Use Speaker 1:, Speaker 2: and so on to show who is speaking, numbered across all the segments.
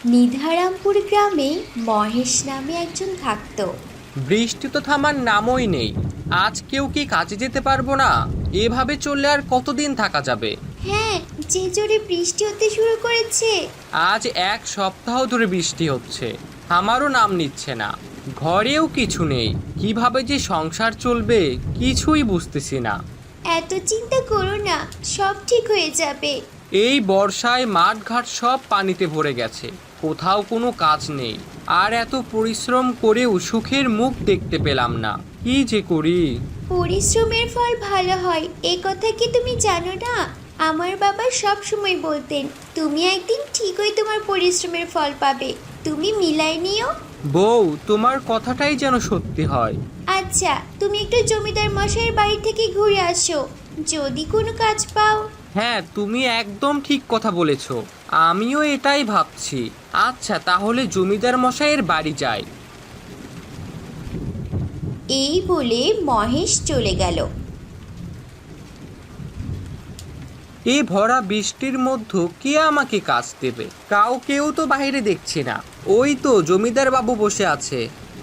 Speaker 1: নিধারামপুর গ্রামে মহেশ নামে একজন থাকত।
Speaker 2: বৃষ্টি তো থামার নামই নেই। আজ কেউ কি কাজে যেতে পারবো না? এভাবে চললে আর কতদিন থাকা যাবে?
Speaker 1: হ্যাঁ, যে জোরে বৃষ্টি হতে শুরু করেছে।
Speaker 2: আজ এক সপ্তাহ ধরে বৃষ্টি হচ্ছে, আমারও নাম নিচ্ছে না। ঘরেও কিছু নেই, কিভাবে যে সংসার চলবে কিছুই বুঝতেছি না।
Speaker 1: এত চিন্তা করো না, সব ঠিক হয়ে যাবে।
Speaker 2: এই বর্ষায় মাঠঘাট সব পানিতে ভরে গেছে, কোথাও কোনো কাজ নেই। আর এত পরিশ্রম করেও সুখের মুখ দেখতে পেলাম না, কি যে করি।
Speaker 1: পরিশ্রমের ফল ভালো হয়, এ কথা কি তুমি জানো না? আমার বাবা সব সময় বলতেন, তুমি একদিন ঠিকই তোমার পরিশ্রমের ফল পাবে, তুমি মিলাই নিও।
Speaker 2: বউ, তোমার কথাটাই যেন সত্যি হয়।
Speaker 1: আচ্ছা, তুমি একটু জমিদার মশাইয়ের বাড়ি থেকে ঘুরে আসো, যদি কোনো কাজ পাও।
Speaker 2: হ্যাঁ, তুমি একদম ঠিক কথা বলেছ, আমিও এটাই ভাবছি। আচ্ছা, তাহলে জমিদার মশাইয়ের বাড়ি যাই।
Speaker 1: এই বলে মহেশ চলে গেল।
Speaker 2: এই ভরা বৃষ্টির মধ্যে কে আমাকে কাজ দেবে? কাউকেও তো বাইরে দেখছি না। ওই তো জমিদার বাবু বসে আছে।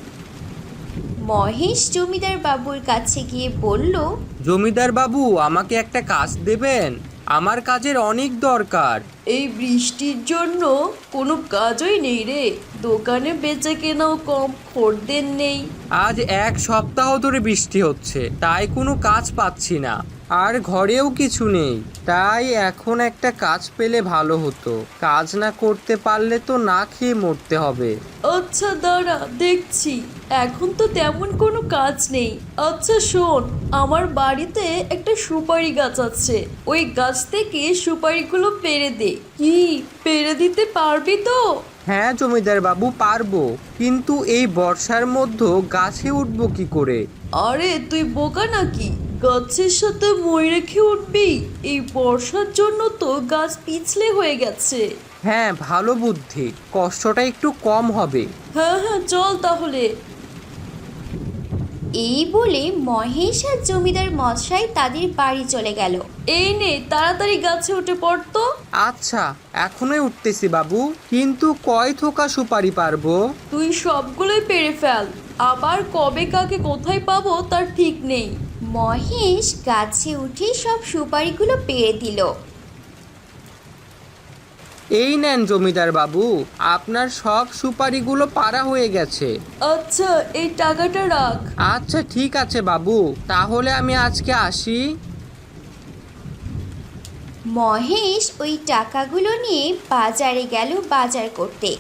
Speaker 1: মহেশ জমিদার বাবুর কাছে গিয়ে বলল,
Speaker 2: জমিদার বাবু, আমাকে একটা কাজ দেবেন? আমার কাজের অনেক দরকার।
Speaker 3: এই বৃষ্টির জন্য কোনো কাজই নেই রে, দোকানে বেচা কেনাও কম, খদ্দের নেই।
Speaker 2: আজ এক সপ্তাহ ধরে বৃষ্টি হচ্ছে, তাই কোনো কাজ পাচ্ছি না। আর ঘরেও কিছু নেই, তাই এখন একটা কাজ পেলে ভালো হতো। কাজ না করতে পারলে তো না খেয়ে মরতে হবে।
Speaker 3: আচ্ছা দাঁড়া, দেখছি। এখন তো তেমন কোনো কাজ নেই। আচ্ছা শোন, আমার বাড়িতে একটা সুপারি গাছ আছে, ওই গাছ থেকে সুপারিগুলো পেড়ে দে। কি, পেড়ে দিতে পারবি তো?
Speaker 2: হ্যাঁ জমিদার বাবু, পারবো, কিন্তু এই বর্ষার মধ্যে গাছে উঠবো কি করে?
Speaker 3: আরে তুই বোকা নাকি, গাছের সাথে মই রেখে উঠবি? এই বর্ষার জন্য তো গাছ পিছলে হয়ে গেছে।
Speaker 2: হ্যাঁ, ভালো বুদ্ধি, কষ্টটা একটু কম হবে।
Speaker 3: হ্যাঁ হ্যাঁ, চল তাহলে।
Speaker 1: এই বলে মহেশ আর জমিদার মশাই তাদের বাড়ি চলে গেল।
Speaker 3: এই নে, তাড়াতাড়ি গাছে উঠে পড়তো।
Speaker 2: আচ্ছা, এখনই উঠতেছি বাবু, কিন্তু কয় থোকা সুপারি পারবো?
Speaker 3: তুই সবগুলোই পেরে ফেল, আবার কবে কাকে কোথায় পাবো তার ঠিক নেই।
Speaker 1: মহেশ গাছে উঠে সব সুপারিগুলো পেড়ে দিল।
Speaker 2: এই নেন জমিদার বাবু, আপনার সব সুপারিগুলো পাড়া হয়ে গেছে।
Speaker 3: আচ্ছা, এই টাকাটা রাখ।
Speaker 2: আচ্ছা ঠিক আছে বাবু, তাহলে আমি আজকে আসি।
Speaker 1: মহেশ ওই টাকাগুলো নিয়ে বাজারে গেল বাজার করতে।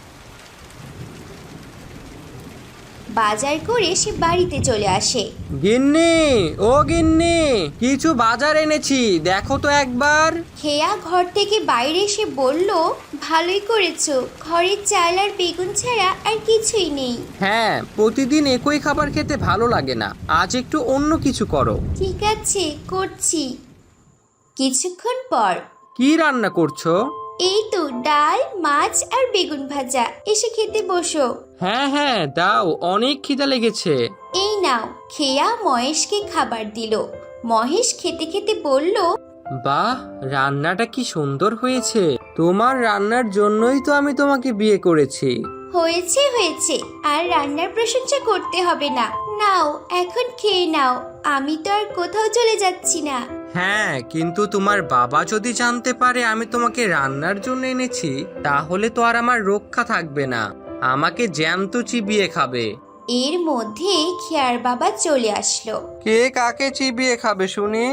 Speaker 1: বাজার করে সে বাড়িতে চলে আসে।
Speaker 2: গিন্নি, ও গিন্নি, কিছু বাজার এনেছি, দেখো তো একবার।
Speaker 1: খেয়া ঘর থেকে বাইরে এসে বলল, ভালোই করেছো, ঘরের চাল আর বেগুন ছাড়া আর কিছুই নেই।
Speaker 2: হ্যাঁ, প্রতিদিন একই খাবার খেতে ভালো লাগে না, আজ একটু অন্য কিছু করো।
Speaker 1: ঠিক আছে, করছি। কিছুক্ষণ পর,
Speaker 2: কি রান্না করছো?
Speaker 1: এই তো ডাল, মাছ আর বেগুন ভাজা, এসে খেতে বসো।
Speaker 2: হ্যাঁ হ্যাঁ, দাও, অনেক খিদা লেগেছে।
Speaker 1: এই নাও। খেয়া মহেশকে খাবার দিল। মহেশ খেতে খেতে বলল,
Speaker 2: বাহ, রান্নাটা কি সুন্দর হয়েছে। তোমার রান্নার জন্যই তো আমি তোমাকে বিয়ে করেছি।
Speaker 1: হয়েছে হয়েছে, আর রান্নার প্রশংসা করতে হবে না। নাও, এখন খেয়ে নাও, আমি তো আর কোথাও চলে যাচ্ছি না।
Speaker 2: হ্যাঁ, কিন্তু তোমার বাবা যদি জানতে পারে আমি তোমাকে রান্নার জন্য এনেছি, তাহলে তো আর আমার রক্ষা থাকবে না, আমাকে জ্যান্ত চিবিয়ে খাবে।
Speaker 1: এর মধ্যে খেয়ার বাবা চলে আসলো।
Speaker 2: কে কাকে চিবিয়ে খাবে শুনি?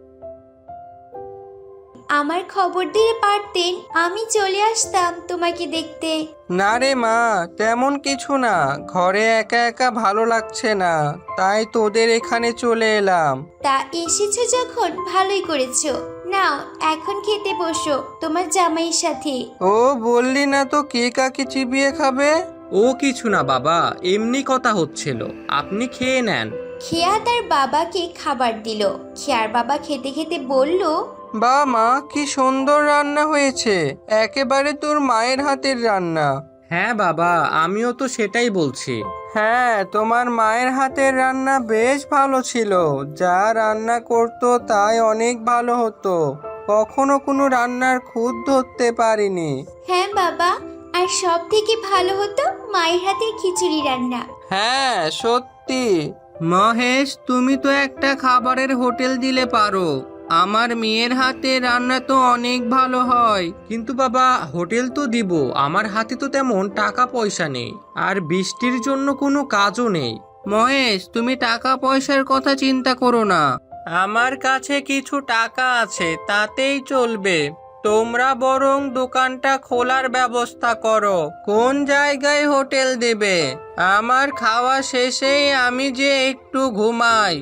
Speaker 1: আমার খবর দিলে পারতেন, আমি চলে আসতাম তোমাকে দেখতে।
Speaker 2: না রে মা, তেমন কিছু না, ঘরে একা একা ভালো লাগছে না, তাই তোদের এখানে চলে এলাম।
Speaker 1: তা এসেছো যখন ভালোই করেছো। নাও, এখন খেতে বসো তোমার জামাইয়ের সাথে।
Speaker 2: ও বললি না তো কে কাকে চিবিয়ে খাবে? ও কিছু না বাবা, এমনি কথা হচ্ছিল, আপনি খেয়ে নেন।
Speaker 1: খেয়া তার বাবাকে খাবার দিল। খেয়ার বাবা খেতে খেতে বলল,
Speaker 2: বা মা, কি সুন্দর রান্না হয়েছে, একেবারে তোর মায়ের হাতের রান্না। হ্যাঁ বাবা, আমিও তো সেটাই বলছি। হ্যাঁ, তোমার মায়ের হাতের রান্না বেশ ভালো ছিল, যা রান্না করতো তাই অনেক ভালো হতো, কখনো কোনো রান্নার খুঁত ধরতে পারিনি।
Speaker 1: হ্যাঁ বাবা, আর সব থেকে ভালো হতো মায়ের হাতের খিচুড়ি রান্না।
Speaker 2: হ্যাঁ সত্যি। মহেশ, তুমি তো একটা খাবারের হোটেল দিলে পারো। আমার মেয়ের হাতে রান্না তো অনেক ভালো হয়। কিন্তু বাবা, হোটেল তো দিব, আমার হাতে তো তেমন টাকা পয়সা নেই, আর বৃষ্টির জন্য কোনো কাজও নেই। মহেশ, তুমি টাকা পয়সার কথা চিন্তা করো না, আমার কাছে কিছু টাকা আছে, তাতেই চলবে। তোমরা বরং দোকানটা খোলার ব্যবস্থা করো। কোন জায়গায় হোটেল দেবে? আমার খাওয়া শেষেই আমি যে একটু ঘুমাই।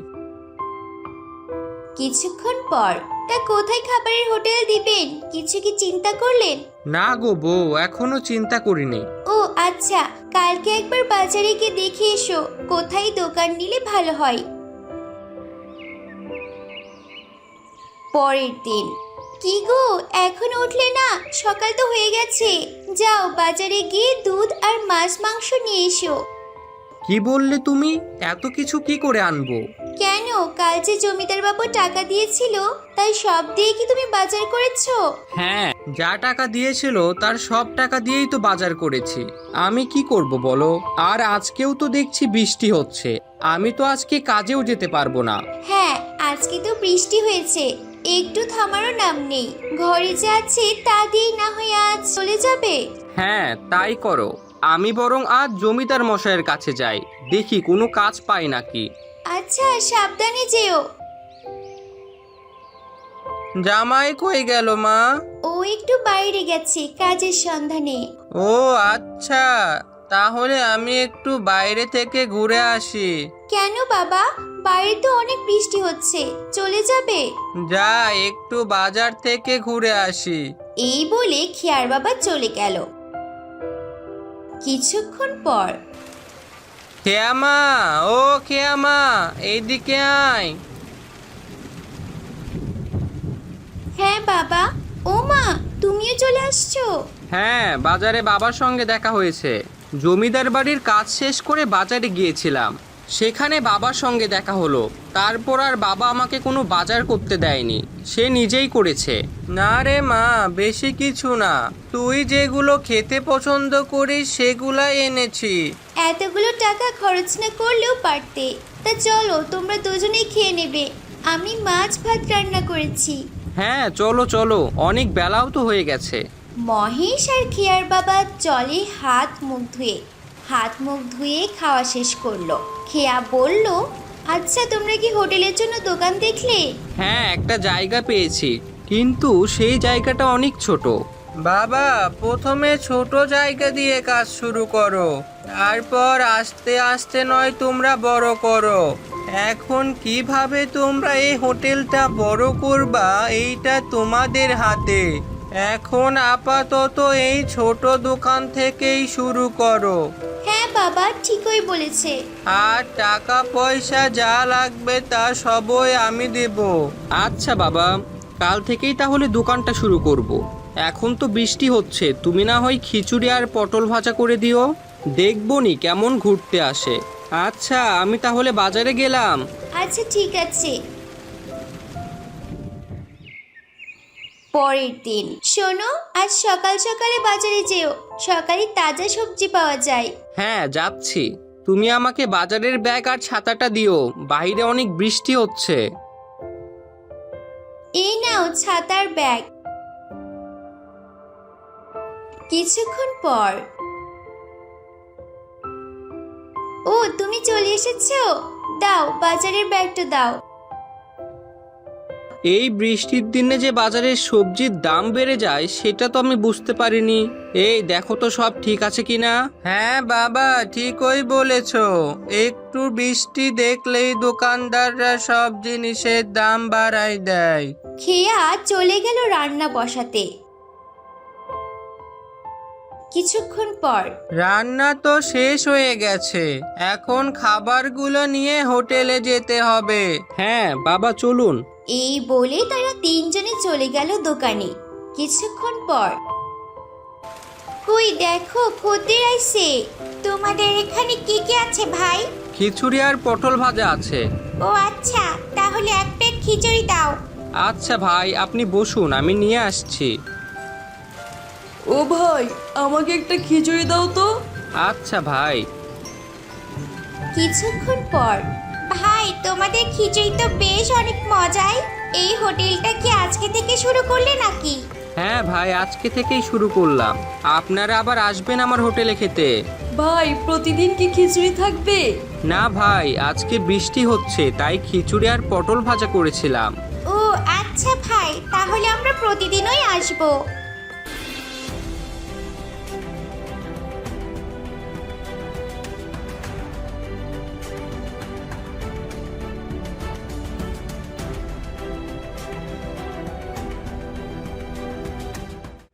Speaker 1: কিছুক্ষণ পর, তা কোথায় খাবারের হোটেল দিবেন কিছু কি চিন্তা করলেন?
Speaker 2: না গো বউ, এখনো চিন্তা করিনি।
Speaker 1: ও আচ্ছা, কালকে একবার বাজারে গিয়ে দেখে এসো কোথায় দোকান নিলে ভালো হয়। পরের দিন। কি গো, এখন উঠলে না? সকাল তো হয়ে গেছে। যাও বাজারে গিয়ে দুধ আর মাছ মাংস নিয়ে এসো।
Speaker 2: কি বললে তুমি? এত কিছু কি করে আনবো?
Speaker 1: কেন, কাল যে জমিদার বাবু টাকা দিয়েছিল তাই সব দিয়ে কি তুমি বাজার করেছো?
Speaker 2: হ্যাঁ, যা টাকা দিয়েছিল তার সব টাকা দিয়েই তো বাজার করেছি। আমি কি করব বলো? আর আজকেও তো দেখছি বৃষ্টি হচ্ছে, আমি তো আজকে কাজেও যেতে পারবো না।
Speaker 1: হ্যাঁ, আজকে তো বৃষ্টি হয়েছে, একটু থামারও নাম নেই। ঘরে যা আছে তা দিয়েই না হয় আজ চলে যাবে।
Speaker 2: হ্যাঁ তাই করো, আমি বরং আজ জমিদার মশাইয়ের কাছে যাই, দেখি কোনো কাজ পাই নাকি।
Speaker 1: আচ্ছা, সাবধানে যেও।
Speaker 2: জামাই কই গেল মা?
Speaker 1: ও একটু বাইরে গেছে কাজের সন্ধানে।
Speaker 2: ও আচ্ছা, তাহলে আমি একটু বাইরে থেকে ঘুরে আসি।
Speaker 1: কেন বাবা, বাইরে তো অনেক বৃষ্টি হচ্ছে, চলে যাবে?
Speaker 2: যা, একটু বাজার থেকে ঘুরে আসি।
Speaker 1: এই বলে খেয়ার বাবা চলে গেল। কিছুক্ষণ পর।
Speaker 2: খেয়ামা, ও খেয়ামা, এইদিকে আয়।
Speaker 1: হ্যাঁ বাবা। ও মা, তুমিও চলে আসছো?
Speaker 2: হ্যাঁ, বাজারে বাবার সঙ্গে দেখা হয়েছে। জমিদার বাড়ির কাজ শেষ করে বাজারে গিয়েছিলাম, সেখানে বাবার সঙ্গে দেখা হলো। তারপর আর বাবা আমাকে কোনো বাজার করতে দেয়নি, সে নিজেই করেছে। না রে মা, বেশি কিছু না, তুই যেগুলো খেতে পছন্দ করিস সেগুলাই এনেছি।
Speaker 1: এতগুলো টাকা খরচ না করলেও পারতে। তা চলো, তোমরা দুজনেই খেয়ে নেবে, আমি মাছ ভাত রান্না করেছি।
Speaker 2: হ্যাঁ চলো চলো, অনেক বেলাও তো হয়ে গেছে।
Speaker 1: মহেশ আর খেয়ার বাবা জলে হাত মুখ ধুয়ে খাওয়া শেষ করলো। খেয়া বলল, আচ্ছা তোমরা কি হোটেলের জন্য দোকান দেখলে?
Speaker 2: হ্যাঁ, একটা জায়গা পেয়েছি, কিন্তু সেই জায়গাটা অনেক ছোট। বাবা, প্রথমে ছোট জায়গা দিয়ে কাজ শুরু করো, তারপর আস্তে আস্তে নয় তোমরা বড় করো। এখন কিভাবে তোমরা এই হোটেলটা বড় করবা এইটা তোমাদের হাতে। এখন আপাতত এই ছোট দোকান থেকেই শুরু করো।
Speaker 1: হ্যাঁ বাবা, ঠিকই বলেছে।
Speaker 2: আর টাকা পয়সা যা লাগবে তা সবই আমি দেব। আচ্ছা বাবা, কাল থেকেই তাহলে দোকানটা শুরু করব। এখন তো বৃষ্টি হচ্ছে, তুমি না হয় খিচুড়ি আর পটল ভাজা করে দিও, দেখবনি কেমন ঘুরতে আসে। আচ্ছা, আমি তাহলে বাজারে গেলাম।
Speaker 1: আচ্ছা ঠিক আছে। পরের দিন। শোনো, আজ সকাল সকালে বাজারে যেও, সকালে তাজা সবজি পাওয়া যায়।
Speaker 2: হ্যাঁ যাচ্ছি, তুমি আমাকে বাজারের ব্যাগ আর ছাতাটা দিও, বাইরে অনেক বৃষ্টি হচ্ছে।
Speaker 1: এই নাও ছাতার ব্যাগ। কিছুক্ষণ পর। ও, তুমি চলে এসেছো, দাও বাজারের ব্যাগটা দাও।
Speaker 2: এই বৃষ্টির দিনে যে বাজারের সবজির দাম বেড়ে যায় সেটা তো আমি বুঝতে পারিনি। এই দেখো তো সব ঠিক আছে কিনা। হ্যাঁ বাবা, ঠিকই বলেছো, একটু বৃষ্টি দেখলেই দোকানদাররা সব জিনিসের দাম বাড়ায় দেয়।
Speaker 1: খেয়া চলে গেল রান্না বসাতে। কিছুক্ষণ পর।
Speaker 2: রান্না তো শেষ হয়ে গেছে, এখন খাবারগুলো নিয়ে হোটেলে যেতে হবে। হ্যাঁ বাবা, চলুন।
Speaker 1: এই বলে তারা তিনজনে চলে গেল দোকানে। কিছুক্ষণ পর। কই দেখো, খদ্দের আইছে। তোমাদের এখানে কি কি আছে ভাই?
Speaker 2: খিচুড়ি আর পটল ভাজা আছে।
Speaker 1: ও আচ্ছা, তাহলে এক প্লেট খিচুড়ি দাও।
Speaker 2: আচ্ছা ভাই, আপনি বসুন, আমি নিয়ে আসছি।
Speaker 3: ও ভাই, আমাকে একটা খিচুড়ি দাও তো।
Speaker 2: আচ্ছা ভাই।
Speaker 1: কিছুক্ষণ পর, ভাই তোমাদের খিচুড়ি তো বেশ অনেক মজাই। এই হোটেলটা কি আজকে থেকে শুরু করলে নাকি?
Speaker 2: হ্যাঁ ভাই, আজকে থেকেই শুরু করলাম। আপনারা আবার আসবেন আমার হোটেলে খেতে।
Speaker 3: ভাই, প্রতিদিন কি খিচুড়ি থাকবে?
Speaker 2: না ভাই, আজকে বৃষ্টি হচ্ছে তাই খিচুড়ি আর পটল ভাজা করেছিলাম।
Speaker 1: ও আচ্ছা ভাই, তাহলে আমরা প্রতিদিনই আসবো।